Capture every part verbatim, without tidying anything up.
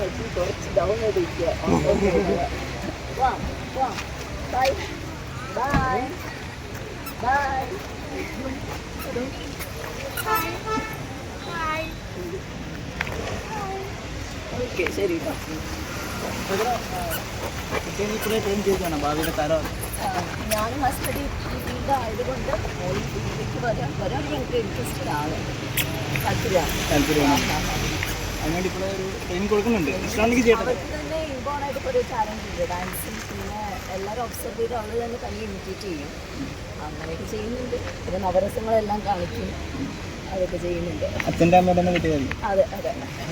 കുറച്ച് ഡൗൺ ചെയ്തിരിക്കുക. Bye bye bye. Okay ശരി. ഭാവിയുടെ തരം ഞാനും ഹസ്ബൻഡ് ഈ ഫീൽഡ് ആയതുകൊണ്ട് ഈ ഫീൽഡിലേക്ക് വരാൻ വരാൻ ഞങ്ങൾക്ക് ഇൻട്രസ്റ്റഡ് ആണ്, താല്പര്യമാണ്. താല്പര്യമാണ്. അതിനുവേണ്ടി ഇപ്പോൾ ഒരു ട്രെയിനിങ് കൊടുക്കുന്നുണ്ട്. ഇഷ്ടമാണെങ്കിൽ ചെയ്യട്ടെ. അവർക്ക് തന്നെ ഇൻബോൺ ആയിട്ട് ഒരു ചാലഞ്ച് ഉണ്ട് ഡാൻസും. പിന്നെ എല്ലാവരും ഒബ്സർവ് ചെയ്ത് അവർ തന്നെ തന്നെ ഇമിറ്റേറ്റ് ചെയ്യും. അങ്ങനെയൊക്കെ ചെയ്യുന്നുണ്ട്. പിന്നെ നവരസങ്ങളെല്ലാം കാണിക്കും, അതൊക്കെ ചെയ്യുന്നുണ്ട്. അച്ഛൻ്റെ അമ്മയുടെ തന്നെ കിട്ടിയത്. അതെ അതെ.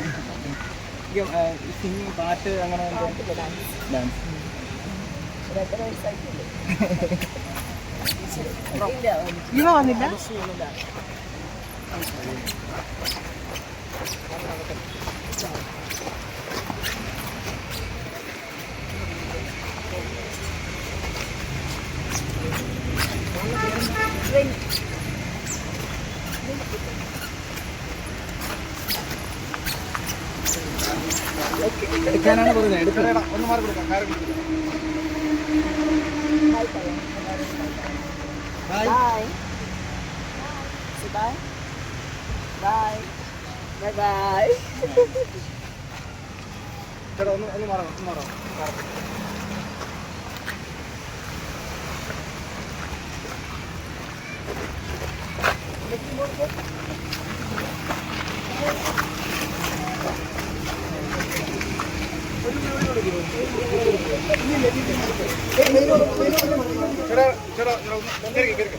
സിംഗിങ്, പാട്ട്, അങ്ങനെ ഡാൻസ് ഡാൻസ് ഒരു എത്ര വയസ്സായിട്ടില്ലേ? ഇവ വന്നില്ല. എടുക്കാനാണ് പറയുന്നത്. എടുക്കണം. ഒന്ന് മാറി കൊടുക്കാം. കാര്യം കൊടുക്കാം. Bye. Bye. Say bye. Bye. Bye bye. ചേട്ടാ ഒന്ന് ഒന്ന് മാറാം, ഒന്ന് മാറാം. ചേട്ടാ ചേട്ടാ ഒന്ന് കയറി കയറി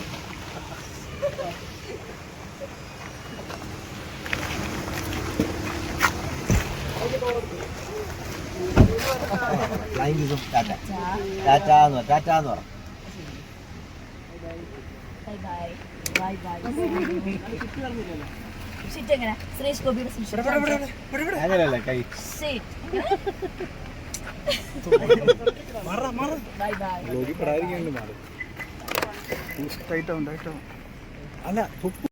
ഫ്ലൈങ് ഇതും ടാറ്റ ടാറ്റ എന്ന് പറ ടാറ്റ എന്ന് പറ. Bye bye. Bye bye. Sit എങ്ങനെ? സുരേഷ് ഗോപിയുടെ സിറ്റ്. അങ്ങനെയല്ല കൈ. Sit. മാറാ മാറാ. Bye bye. ലോകി പടായിരിക്കും മാറും. ഇഷ്ടമായിട്ടോ ഉണ്ടായിട്ടോ അല്ല